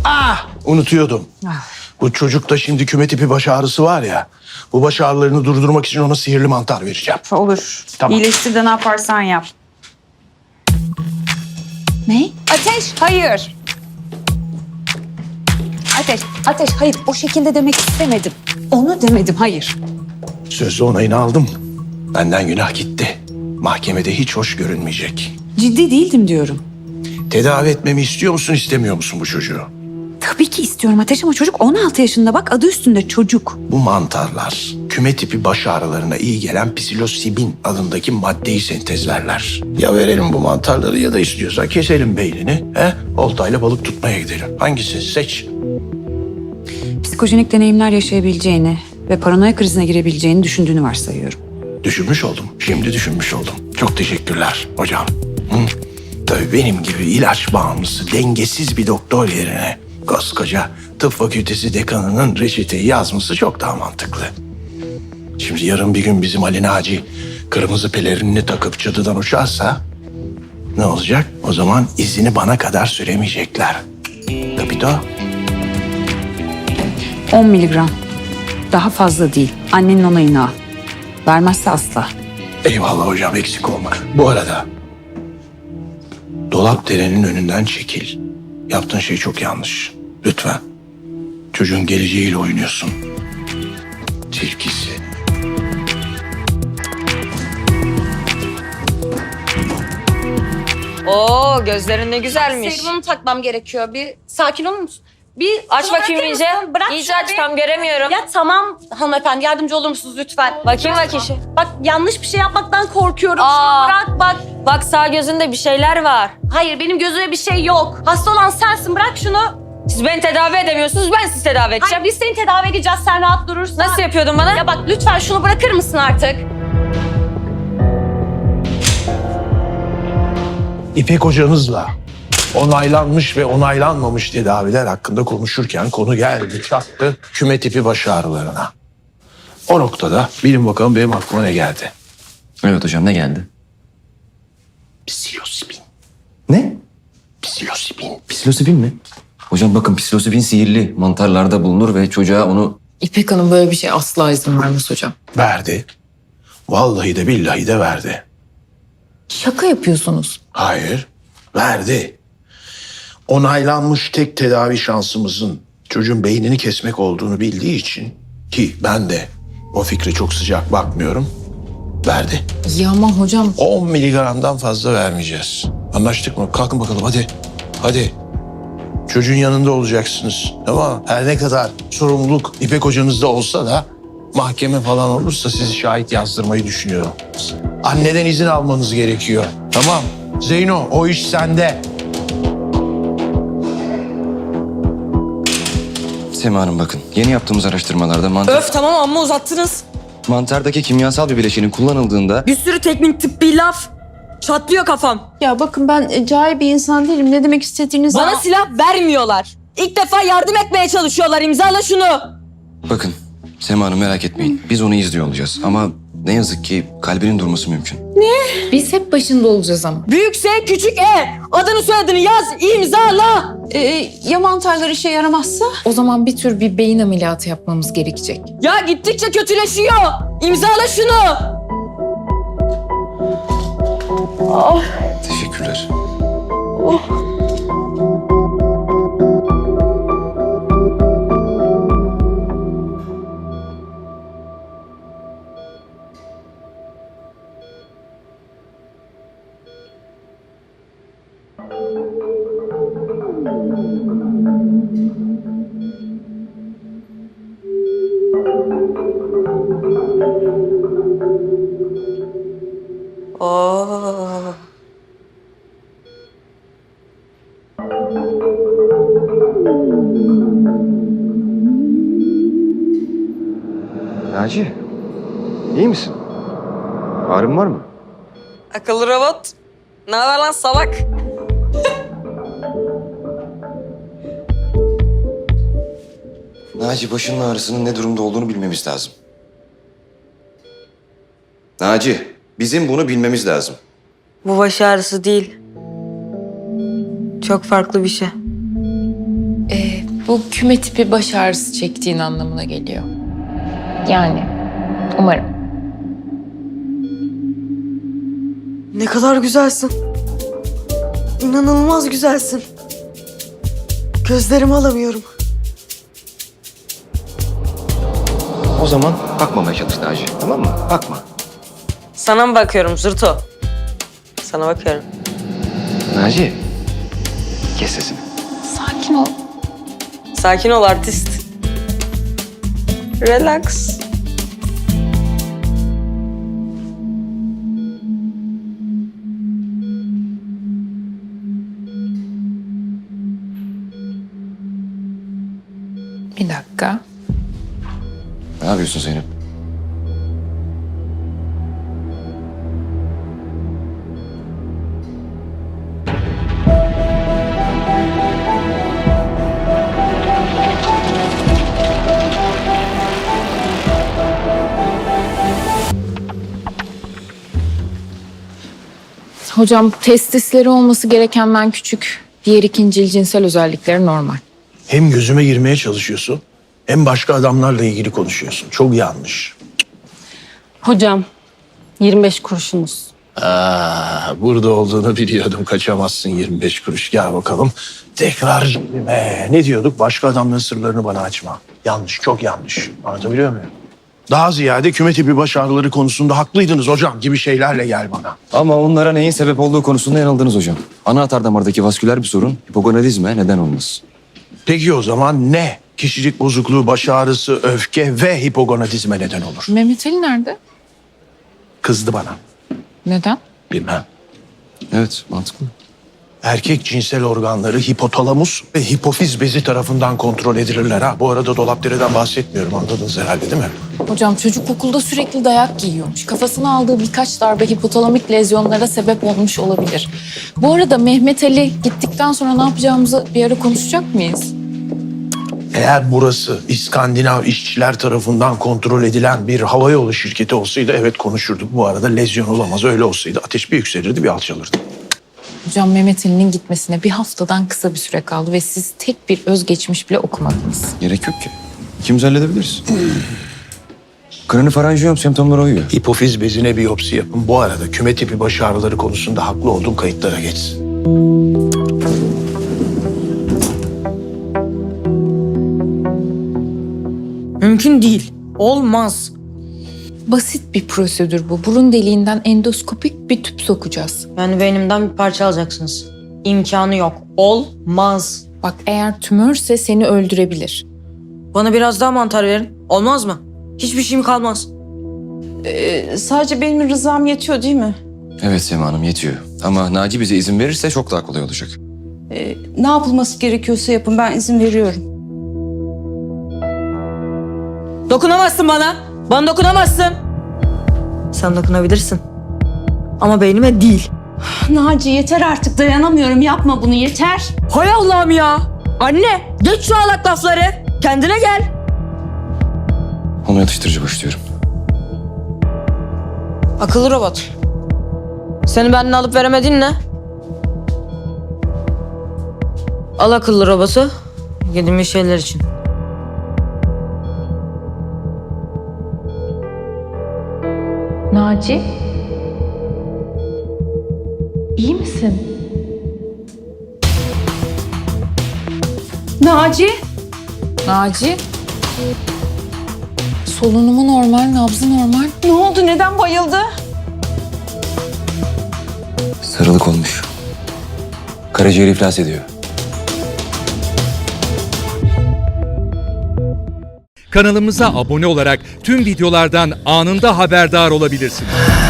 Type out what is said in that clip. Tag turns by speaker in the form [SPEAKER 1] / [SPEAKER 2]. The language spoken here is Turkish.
[SPEAKER 1] Unutuyordum. Bu çocukta şimdi küme tipi baş ağrısı var ya. Bu baş ağrılarını durdurmak için ona sihirli mantar vereceğim.
[SPEAKER 2] Olur.
[SPEAKER 1] Tamam.
[SPEAKER 2] İyileştir de ne yaparsan yap. Ne?
[SPEAKER 3] Ateş,
[SPEAKER 2] Hayır.
[SPEAKER 3] Ateş, hayır o şekilde demek istemedim. Onu demedim, hayır.
[SPEAKER 1] Sözlü onayını aldım. Benden günah gitti. Mahkemede hiç hoş görünmeyecek.
[SPEAKER 2] Ciddi değildim diyorum.
[SPEAKER 1] Tedavi etmemi istiyor musun, istemiyor musun bu çocuğu?
[SPEAKER 2] Tabii ki istiyorum Ateş ama çocuk 16 yaşında bak adı üstünde çocuk.
[SPEAKER 1] Bu mantarlar küme tipi baş ağrılarına iyi gelen psilosibin adındaki maddeyi sentezlerler. Ya verelim bu mantarları ya da istiyorsan keselim beynini. Oltayla balık tutmaya gidelim. Hangisi? Seç.
[SPEAKER 2] Psikojenik deneyimler yaşayabileceğini ve paranoya krizine girebileceğini düşündüğünü varsayıyorum.
[SPEAKER 1] Düşünmüş oldum. Şimdi düşünmüş oldum. Çok teşekkürler hocam. Tabii benim gibi ilaç bağımlısı, dengesiz bir doktor yerine koskoca tıp fakültesi dekanının reçeteyi yazması çok daha mantıklı. Şimdi yarın bir gün bizim Ali Naci kırmızı pelerinini takıp çatıdan uçarsa ne olacak? O zaman izini bana kadar süremeyecekler. Kapito.
[SPEAKER 2] 10 miligram. Daha fazla değil. Annenin onayını al. Vermezse asla.
[SPEAKER 1] Eyvallah hocam, eksik olma. Bu arada dolap derenin önünden çekil. Yaptığın şey çok yanlış. Lütfen. Çocuğun geleceğiyle oynuyorsun. Tilkisi.
[SPEAKER 4] Oo, gözlerin ne güzelmiş.
[SPEAKER 3] Serumu takmam gerekiyor. Bir sakin olur musun? Bir
[SPEAKER 4] Aç
[SPEAKER 3] şuna
[SPEAKER 4] bakayım
[SPEAKER 3] bırakır
[SPEAKER 4] iyice.
[SPEAKER 3] mısın? Bırak
[SPEAKER 4] İyice
[SPEAKER 3] şunu
[SPEAKER 4] aç,
[SPEAKER 3] bir.
[SPEAKER 4] tam göremiyorum.
[SPEAKER 3] Ya tamam hanımefendi, yardımcı olur musunuz lütfen?
[SPEAKER 4] Bakayım bak işi.
[SPEAKER 3] Bak yanlış bir şey yapmaktan korkuyorum.
[SPEAKER 4] Aa.
[SPEAKER 3] Şunu bırak bak.
[SPEAKER 4] Bak sağ gözünde bir şeyler var.
[SPEAKER 3] Hayır benim gözüme bir şey yok. Hasta olan sensin, bırak şunu.
[SPEAKER 4] Siz beni tedavi edemiyorsunuz, ben sizi tedavi edeceğim.
[SPEAKER 3] Hayır biz seni tedavi edeceğiz, sen rahat durursan.
[SPEAKER 4] Nasıl yapıyordun bana?
[SPEAKER 3] Ya bak lütfen şunu bırakır mısın artık?
[SPEAKER 1] İpek hocanızla onaylanmış ve onaylanmamış tedaviler hakkında konuşurken konu geldi çattı küme tipi baş ağrılarına. O noktada bilin bakalım benim aklıma ne geldi?
[SPEAKER 5] Evet hocam, ne geldi?
[SPEAKER 1] Psilosibin.
[SPEAKER 5] Ne?
[SPEAKER 1] Psilosibin.
[SPEAKER 5] Psilosibin mi? Hocam bakın, psilosibin sihirli mantarlarda bulunur ve çocuğa onu...
[SPEAKER 6] İpek Hanım böyle bir şey asla izin vermez hocam.
[SPEAKER 1] Verdi. Vallahi de billahi de verdi.
[SPEAKER 6] Şaka yapıyorsunuz.
[SPEAKER 1] Hayır, verdi. Onaylanmış tek tedavi şansımızın çocuğun beynini kesmek olduğunu bildiği için, ki ben de o fikre çok sıcak bakmıyorum, verdi.
[SPEAKER 6] Ya ama hocam
[SPEAKER 1] 10 miligramdan fazla vermeyeceğiz. Anlaştık mı? Kalkın bakalım hadi. Hadi. Çocuğun yanında olacaksınız. Ama her ne kadar sorumluluk İpek hocanızda olsa da mahkeme falan olursa sizi şahit yazdırmayı düşünüyorum. Anneden izin almanız gerekiyor. Tamam. Zeyno, o iş sende.
[SPEAKER 5] Sema Hanım bakın, yeni yaptığımız araştırmalarda
[SPEAKER 4] Öf tamam, amma uzattınız.
[SPEAKER 5] mantardaki kimyasal bir bileşenin kullanıldığında...
[SPEAKER 4] Bir sürü teknik tıbbi laf. Çatlıyor kafam.
[SPEAKER 6] ya bakın ben cahil bir insan değilim. Ne demek istediğinizi...
[SPEAKER 4] Bana silah vermiyorlar. İlk defa yardım etmeye çalışıyorlar. İmzala şunu.
[SPEAKER 5] Bakın Sema Hanım, merak etmeyin. Biz onu izliyor olacağız ama ne yazık ki kalbinin durması mümkün.
[SPEAKER 6] Biz hep başında olacağız ama.
[SPEAKER 4] Büyük S, küçük E. Adını soyadını yaz, imzala.
[SPEAKER 6] Ya mantarlar işe yaramazsa? O zaman bir tür bir beyin ameliyatı yapmamız gerekecek.
[SPEAKER 4] Ya gittikçe kötüleşiyor. İmzala şunu.
[SPEAKER 5] Teşekkürler.
[SPEAKER 4] Oo.
[SPEAKER 5] Naci, iyi misin? Ağrın var mı?
[SPEAKER 4] Akıllı robot. Ne haber lan salak?
[SPEAKER 5] Naci, başının ağrısının ne durumda olduğunu bilmemiz lazım. Naci, bizim bunu bilmemiz lazım.
[SPEAKER 4] Bu baş ağrısı değil. Çok farklı bir şey.
[SPEAKER 6] Bu küme tipi baş ağrısı çektiğin anlamına geliyor. Yani umarım.
[SPEAKER 7] Ne kadar güzelsin. İnanılmaz güzelsin. Gözlerimi alamıyorum.
[SPEAKER 5] O zaman bakmamaya çalış Naci. Tamam mı? Bakma.
[SPEAKER 4] Sana mı bakıyorum Zırto? Sana bakıyorum.
[SPEAKER 5] Naci. Kes sesini.
[SPEAKER 6] Sakin ol.
[SPEAKER 4] Sakin ol artist. Relax.
[SPEAKER 6] Bir dakika.
[SPEAKER 5] Ne yapıyorsun Zeynep?
[SPEAKER 6] Hocam testisleri olması gerekenden küçük. Diğer ikincil cinsel özellikleri normal.
[SPEAKER 1] Hem gözüme girmeye çalışıyorsun hem başka adamlarla ilgili konuşuyorsun. Çok yanlış.
[SPEAKER 8] Hocam 25 kuruşunuz.
[SPEAKER 1] Burada olduğunu biliyordum. Kaçamazsın 25 kuruş. Gel bakalım. Tekrar cebime. Ne diyorduk? Başka adamların sırlarını bana açma. Yanlış, çok yanlış. Anlatabiliyor muyum? Daha ziyade küme tipi baş ağrıları konusunda haklıydınız hocam gibi şeylerle gel bana.
[SPEAKER 5] Ama onlara neyin sebep olduğu konusunda yanıldınız hocam. Ana atar damardaki vasküler bir sorun hipogonadizme neden olmaz.
[SPEAKER 1] Peki o zaman ne? Kişilik bozukluğu, baş ağrısı, öfke ve hipogonadizme neden olur.
[SPEAKER 6] Mehmet Ali nerede?
[SPEAKER 1] Kızdı bana.
[SPEAKER 6] Neden?
[SPEAKER 1] Bilmem.
[SPEAKER 5] Evet, mantıklı.
[SPEAKER 1] Erkek cinsel organları hipotalamus ve hipofiz bezi tarafından kontrol edilirler ha. Bu arada dolapdereden bahsetmiyorum, anladınız herhalde değil mi?
[SPEAKER 6] Hocam çocuk okulda sürekli dayak yiyormuş. Kafasına aldığı birkaç darbe hipotalamik lezyonlara sebep olmuş olabilir. Bu arada Mehmet Ali gittikten sonra ne yapacağımızı bir ara konuşacak mıyız?
[SPEAKER 1] Eğer burası İskandinav işçiler tarafından kontrol edilen bir havayolu şirketi olsaydı evet konuşurduk. Bu arada lezyon olamaz. Öyle olsaydı ateş bir yükselirdi, bir alçalırdı.
[SPEAKER 6] Hocam Mehmet Ali'nin gitmesine bir haftadan kısa bir süre kaldı ve siz tek bir özgeçmiş bile okumadınız.
[SPEAKER 5] Gerek yok ki. İkimiz halledebiliriz. Kranifaranjiyom semptomları uyuyor.
[SPEAKER 1] Hipofiz bezine biyopsi yapın. Bu arada küme tipi baş ağrıları konusunda haklı olduğum kayıtlara geçsin.
[SPEAKER 4] Mümkün değil. Olmaz.
[SPEAKER 6] Basit bir prosedür bu. Burun deliğinden endoskopik bir tüp sokacağız.
[SPEAKER 4] Yani beynimden bir parça alacaksınız. İmkanı yok. Olmaz.
[SPEAKER 6] Bak eğer tümörse seni öldürebilir.
[SPEAKER 4] Bana biraz daha mantar verin. Olmaz mı? Hiçbir şeyim kalmaz.
[SPEAKER 8] Sadece benim rızam yetiyor değil mi?
[SPEAKER 5] Evet Sema Hanım yetiyor. Ama Naci bize izin verirse çok daha kolay olacak.
[SPEAKER 8] Ne yapılması gerekiyorsa yapın, ben izin veriyorum.
[SPEAKER 4] Dokunamazsın bana. Bana dokunamazsın. Sen dokunabilirsin. Ama beynime değil.
[SPEAKER 8] Naci yeter artık, dayanamıyorum, yapma bunu, yeter.
[SPEAKER 4] Hay Allah'ım ya. Anne geç şu ağlak lafları. Kendine gel.
[SPEAKER 5] Onu yatıştırıcı başlıyorum.
[SPEAKER 4] Akıllı robot. Seni benden alıp veremedin ne? Al akıllı robotu. Yediğim şeyler için.
[SPEAKER 6] Naci? İyi misin?
[SPEAKER 8] Naci?
[SPEAKER 6] Naci? Solunumu normal, nabzı normal.
[SPEAKER 8] Ne oldu, neden bayıldı?
[SPEAKER 5] Sarılık olmuş. Karaciğer iflas ediyor.
[SPEAKER 9] Kanalımıza abone olarak tüm videolardan anında haberdar olabilirsiniz.